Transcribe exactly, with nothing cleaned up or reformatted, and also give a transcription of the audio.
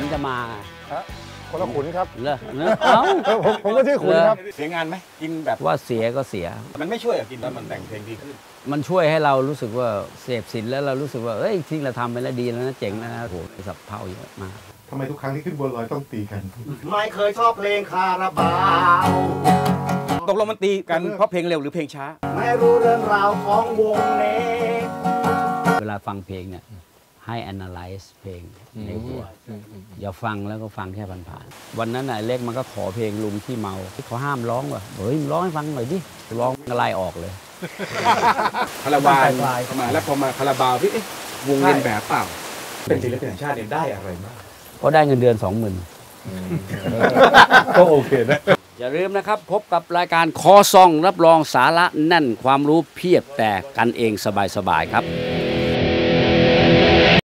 จะมาคนละขุนครับเหรอเอ้าผมผมก็ชื่อขุนครับเสียงานไหมกินแบบว่าเสียก็เสียมันไม่ช่วยกินแล้วมันแต่งเพลงดีขึ้นมันช่วยให้เรารู้สึกว่าเสพสินแล้วเรารู้สึกว่าเอ้ยที่เราทำไปแล้วดีแล้วนะเจ๋งนะโหสับเผาเยอะมากทำไมทุกครั้งที่ขึ้นบนลอยต้องตีกันไม่เคยชอบเพลงคาราบาวตกลงมันตีกันเพราะเพลงเร็วหรือเพลงช้าไม่รู้เรื่องราวของวงเน็กเวลาฟังเพลงเนี่ยให้ analyze เพลงในหัวอย่าฟังแล้วก็ฟังแค่ผ่านๆวันนั้นน่ะเล็กมันก็ขอเพลงลุงที่เมาที่เขาห้ามร้องว่ะเฮ้ยร้องให้ฟังหน่อยดิร้องอะไรออกเลยคาราบาวมาแล้วพอมาคาราบาวพี่วงเรียนแบบเปล่าเป็นศิลปินแห่งชาติเนี่ยได้อะไรบ้างก็ได้เงินเดือนสองหมื่นก็โอเคนะอย่าลืมนะครับพบกับรายการคอซองรับรองสาระแน่นความรู้เพียบแต่กันเองสบายๆครับ